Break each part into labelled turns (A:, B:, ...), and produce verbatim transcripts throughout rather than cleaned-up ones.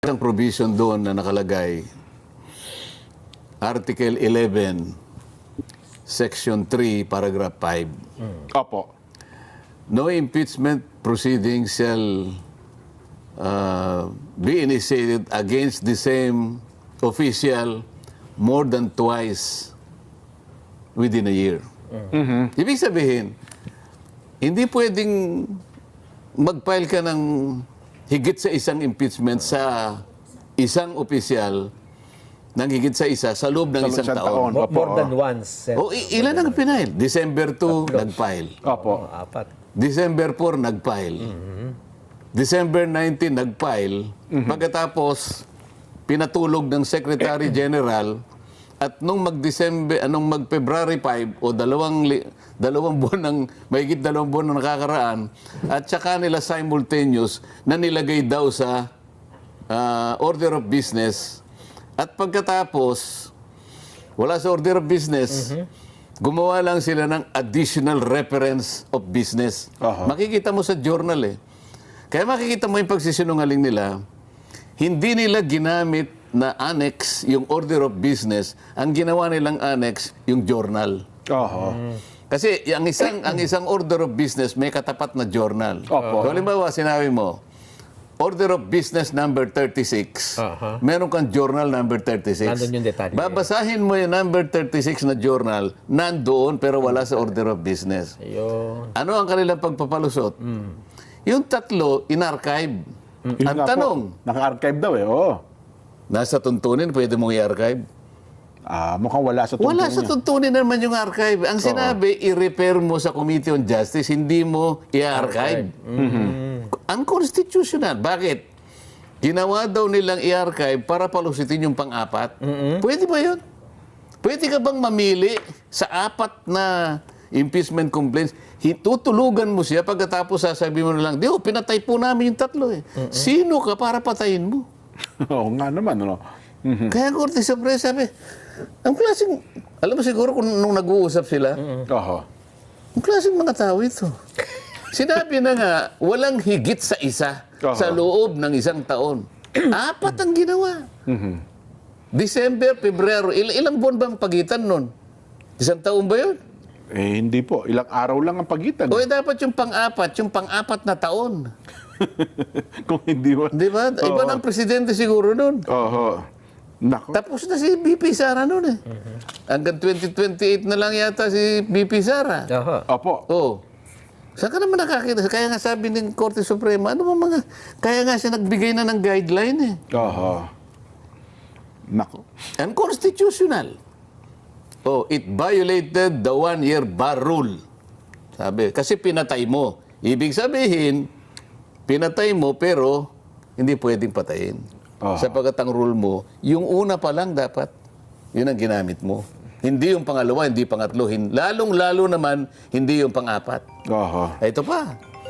A: Ang provision doon na nakalagay, Article eleven, Section three, Paragraph five.
B: Opo.
A: No impeachment proceedings shall uh, be initiated against the same official more than twice within a year.
B: Mhm.
A: Ibig sabihin, hindi pwedeng mag-file ka ng higit sa isang impeachment sa isang opisyal ng higit sa isa sa loob ng
B: Sa
A: isang
B: isang
A: taon.
B: taon.
C: More,
B: Opo.
C: more than once. sir.
A: O i- ilan ang pinail? December two, nag-file.
B: Opo.
C: Oh, apat.
A: December four, nag-file. December nineteen, nag-file. Pagkatapos, pinatulog ng Secretary General at nung mag-December, anong mag-February five o dalawang, li- dalawang buwan ng, mahigit dalawang buwan na nakakaraan, at saka nila simultaneous na nilagay daw sa ah, order of business. At pagkatapos, wala sa order of business, gumawa lang sila ng additional reference of business.
B: Aha.
A: Makikita mo sa journal eh. Kaya makikita mo yung pagsisinungaling nila, hindi nila ginamit na annex yung order of business, ang ginawa nilang annex yung journal.
B: Oho.
A: Kasi ang isang ang isang order of business may katapat na journal.
B: Opo.
A: So, halimbawa, sinabi mo, order of business number thirty-six,
C: Aha.
A: meron kang journal number thirty-six.
C: Nandun yung detalye.
A: Babasahin mo yung number thirty-six na journal, nandoon pero wala sa order of business.
C: Ayun.
A: Ano ang kanilang pagpapalusot? Yung tatlo, in-archive.
B: Yun
A: Ang
B: nga po,
A: tanong,
B: naka-archive daw eh. Oo.
A: nasa tuntunin, pwede mong i-archive?
B: Ah, mukhang wala sa
A: Wala
B: tungkol
A: sa
B: niya.
A: tuntunin naman yung archive. Ang sinabi, i-repair mo sa Committee on Justice, hindi mo i-archive. Unconstitutional. Bakit? Ginawa daw nilang i-archive para palusitin yung pang-apat. Pwede ba yun? Pwede ka bang mamili sa apat na impeachment complaints, tutulugan mo siya, pagkatapos sasabihin mo na lang, di oh, pinatay po namin yung tatlo eh. Sino ka para patayin mo?
B: Oo nga naman, ano. Mhm.
A: Kaya Korte Suprema sabi, ang klaseng, alam mo siguro kung nung nag-uusap sila,
B: Oho.
A: ang klaseng mga tao ito. Sinabi na nga, walang higit sa isa
B: Aha.
A: sa loob ng isang taon. Apat ang ginawa.
B: Mhm.
A: December, Pebrero, il- ilang buwan bang pagitan nun? Isang taon ba yun?
B: Eh, hindi po. Ilang araw lang ang pagitan.
A: O eh, dapat yung pang-apat, yung pang-apat na taon.
B: Kung hindi mo.
A: Di ba? Iba
B: Oo.
A: ng presidente siguro nun.
B: Oho. Nako.
A: Tapos na si B P Sara nun eh. Hanggang twenty twenty-eight na lang yata si B P Sara.
C: Aha.
B: Opo.
A: Oh. Saan ka naman nakakita? Kaya nga sabi ng Korte Suprema, ano ba mga... Kaya nga siya nagbigay na ng guideline eh.
B: Oho. Nako.
A: Unconstitutional. Oh, it violated the one-year bar rule. Sabi, kasi pinatay mo. Ibig sabihin, pinatay mo pero hindi pwedeng patayin.
B: Ah.
A: Sapagkat ang rule mo, yung una pa lang dapat, yun ang ginamit mo. Hindi yung pangalawa, hindi pangatlo. hin- Lalong-lalo naman, hindi yung pang-apat.
B: Oho.
A: Ito pa.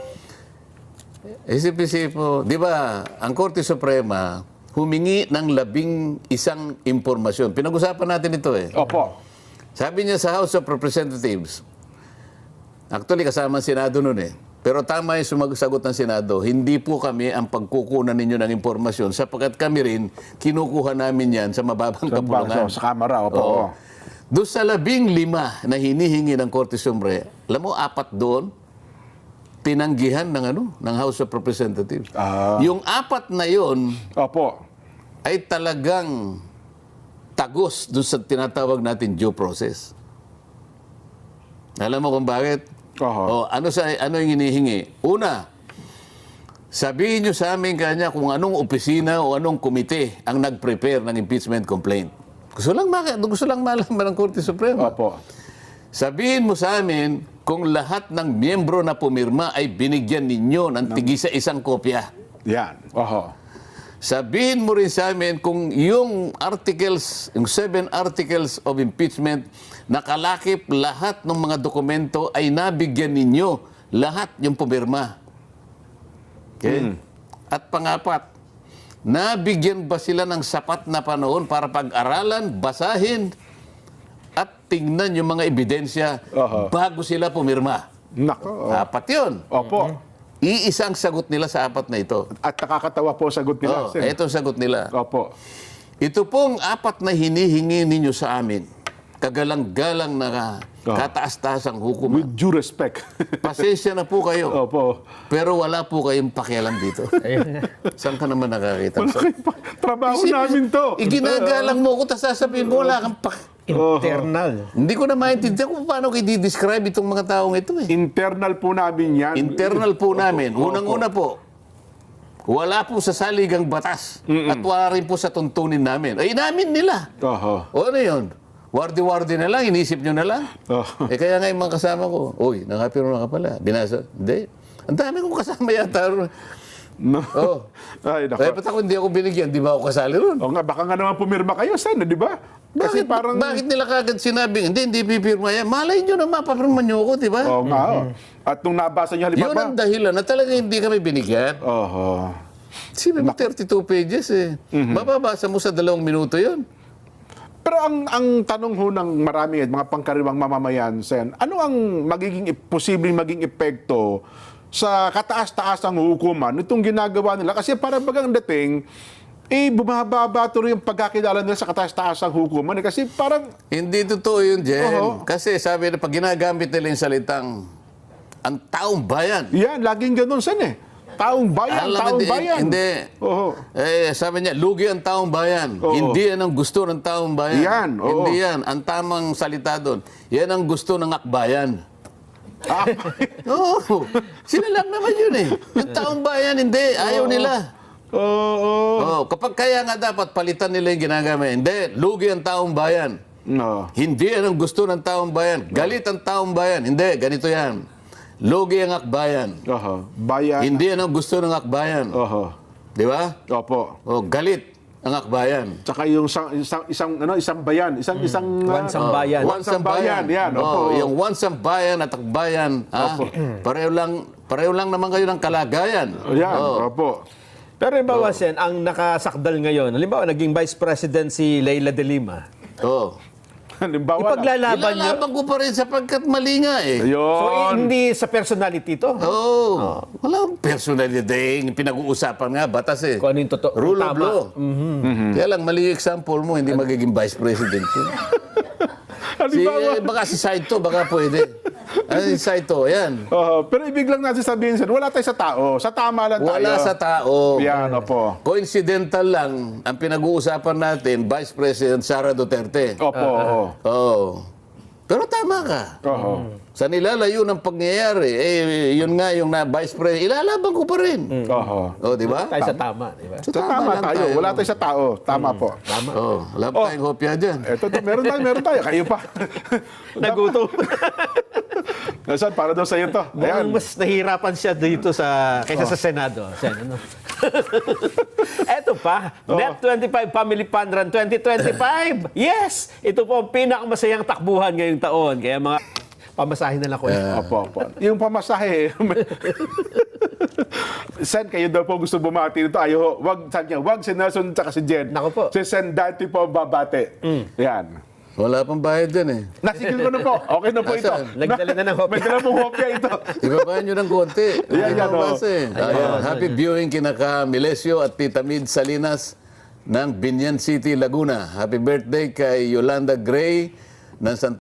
A: Isip-isip mo, di ba, ang Korte Suprema humingi ng labing isang impormasyon. Pinag-usapan natin ito eh.
B: Opo.
A: Sabi niya sa House of Representatives, actually kasama ang Senado nun eh, pero tama yung sumagot ng Senado, hindi po kami ang pagkukunan ninyo ng impormasyon sapagkat kami rin, kinukuha namin yan sa mababang
B: Sa,
A: kapulungan.
B: sa, sa kamera. Opo.
A: Oo. Doon sa labing lima na hinihingi ng Korte Suprema, alam mo, apat doon, tinanggihan ng ano ng House of Representatives.
B: Ah.
A: Yung apat na yon
B: Opo.
A: ay talagang tagos doon sa tinatawag natin due process. Alam mo kung bakit?
B: Oho.
A: O, ano sa ano yung hinihingi? Una, sabihin nyo sa amin kanya kung anong opisina o anong komite ang nag-prepare ng impeachment complaint. Gusto lang maka, gusto lang malaman ng Korte Suprema.
B: Opo.
A: Sabihin mo sa amin kung lahat ng miyembro na pumirma ay binigyan ninyo ng tigi sa isang kopya.
B: Yan. Oho.
A: Sabihin mo rin sa amin kung yung articles, yung seven articles of impeachment, nakalakip lahat ng mga dokumento ay nabigyan ninyo lahat yung pumirma. Okay? At pangapat, nabigyan ba sila ng sapat na panahon para pag-aralan, basahin, at tingnan yung mga ebidensya
B: Aha.
A: bago sila pumirma?
B: Nako.
A: Apat yun.
B: Opo.
A: Iisang sagot nila sa apat na ito.
B: At nakakatawa po sagot nila.
A: Oh,
B: Sen.
A: ito ang sagot nila.
B: Opo.
A: Ito pong apat na hinihingi ninyo sa amin, kagalang-galang na
B: Oh.
A: kataas-taasang hukuman.
B: With due respect.
A: Pasensya na po kayo.
B: Opo.
A: Pero wala po kayong pakialam dito. Saan ka naman nakakita?
B: Wala kayo pa. Trabaho namin to.
A: Iginagalang mo ko, tapos sasabihin mo, wala kang pak...
C: Internal.
A: Hindi ko na maintindihan kung paano ko i-describe itong mga taong ito eh.
B: Internal po namin yan.
A: Internal po namin.
B: Opo.
A: Unang-una po, wala po sa saligang batas at wala rin po sa tuntunin namin. Ay, namin nila.
B: Oho.
A: O ano yun? Wardi-wardi na lang, inisip nyo na lang.
B: Oh.
A: Eh kaya nga yung mga kasama ko, uy, nakapiro na ka pala. Binasa. Hindi. Ang dami kong kasama yata.
B: No.
A: Oh.
B: Ay,
A: Kaya
B: nako.
A: ba't ako hindi ako binigyan? Di ba ako kasali ron?
B: O nga, baka nga naman pumirma kayo, Sen, di ba? Kasi
A: Bakit,
B: parang...
A: bakit nila kagad sinabing, hindi, hindi pipirma yan. Malay nyo na mapapirma nyo ako, di ba?
B: Oo nga, oh. At nung nabasa niyo,
A: Yun
B: halimbawa...
A: ang dahilan na talaga hindi kami binigyan.
B: Oho.
A: Sino ba thirty-two pages eh? Mababasa mo sa dalawang minuto yun.
B: Pero ang ang tanong ho ng marami at mga pangkaraniwang mamamayan, Sen, ano ang magiging posibleng maging epekto sa kataas-taasang hukuman nitong ginagawa nila? Kasi parang bagang dating, eh, bumababa tuloy yung pagkakilala nila sa kataas-taasang hukuman. Eh, kasi parang,
A: Hindi totoo yun, Jen.
B: Oo.
A: Kasi sabi na pag ginagamit nila yung salitang ang taong bayan.
B: yan, laging ganun, Sen, eh. Taong bayan,
A: Alam mo,
B: taong
A: hindi-
B: bayan.
A: Hindi.
B: Oo.
A: Eh, sabi niya, lugi ang taong bayan.
B: Oo.
A: Hindi yan ang gusto ng taong bayan.
B: Yan, oo.
A: Hindi yan. Ang tamang salita doon, yan ang gusto ng akbayan.
B: Ah,
A: Oo. Sila lang naman yun eh. Yung taong bayan, hindi. Ayaw nila.
B: Oo.
A: Oh, kapag kaya nga dapat palitan nila yung ginagamit. Hindi, lugi ang taong bayan.
B: No.
A: Hindi yan ang gusto ng taong bayan. Galit ang taong bayan. Hindi, ganito yan. Lugi ang akbayan.
B: Oho. Bayan.
A: Hindi yan ang gusto ng akbayan.
B: Oho.
A: Di ba?
B: Opo.
A: Oh, galit ang akbayan.
B: Tsaka yung isang, isang, isang, ano, isang bayan. Isang, isang... ah,
C: Wansang bayan.
B: Wansang bayan, yan,
A: Oh,
B: opo.
A: yung wansang bayan at akbayan, ah, pareho lang, pareho lang naman kayo ng kalagayan.
B: Yan,
A: Oh.
B: opo.
C: Pero halimbawa, Sen, ang nakasakdal ngayon, halimbawa, naging Vice President si Leila de Lima.
A: Oh.
B: Halimbawa lang.
C: Ipaglalaban niyo.
A: Ilalaban ko pa rin sapagkat mali nga eh.
C: So,
B: Ayun.
C: hindi sa personality to.
A: Oh, wala akong personality. Pinag-uusapan nga, batas eh.
C: Kung ano yung totoo.
A: Rule of
C: tama.
A: law. Kaya lang, mali yung example mo, hindi magiging vice president yun. si,
B: Halimbawa.
A: eh, baka si Saito, baka pwede. Ano si Saito, yan.
B: Oo, pero ibig lang natin sabihin, sir, wala tayo sa tao. Sa tama lang tayo.
A: Wala sa tao.
B: Yan, opo.
A: Coincidental lang ang pinag-uusapan natin, Vice President Sara Duterte.
B: Opo, oo.
A: Oo. Pero tama ka.
B: Oho.
A: Sa nilalayo ng pangyayari, eh, yun nga yung na Vice President, ilalaban ko pa rin.
B: Oho.
A: Oh, di ba?
C: Tayo sa tama, di ba?
B: Sa tama
A: lang
B: tayo. Wala tayo sa tao. Tama po.
C: Tama.
A: Oh, wala pa tayong hopya dyan.
B: Eto, to, meron tayo, meron tayo. Kayo pa.
C: Nagutom.
B: Nasaan, para daw sa iyo to.
C: Mukhang
B: Ayan.
C: mas nahihirapan siya dito sa kaysa sa Senado. Sen, ano? Eto pa, Net twenty-five Family Fun Run twenty twenty-five. Yes! Ito po ang pinakamasayang takbuhan ngayong taon. Kaya mga pamasahin na lang ko.
B: Opo, opo. Yung pamasahe. Sen, kayo daw po gusto bumati nito. Ayo, wag, sabi niya, wag si Nelson tsaka si Jen.
C: Nako po.
B: Si Sen Dante po babate. Yan.
A: Wala pang bayad dyan eh.
B: Nasigil ko na po. Okay na po ito.
A: Nasaan?
C: Nagdala na ng hopya.
B: Nagdala pong hopya ito.
A: Ibabaan nyo ng konti.
B: Yan, yan,
A: Ano
B: oh.
A: kasi? Ayan. Happy viewing kina ka Milesio at Tita Mid Salinas ng Binyan City, Laguna. Happy birthday kay Yolanda Gray ng San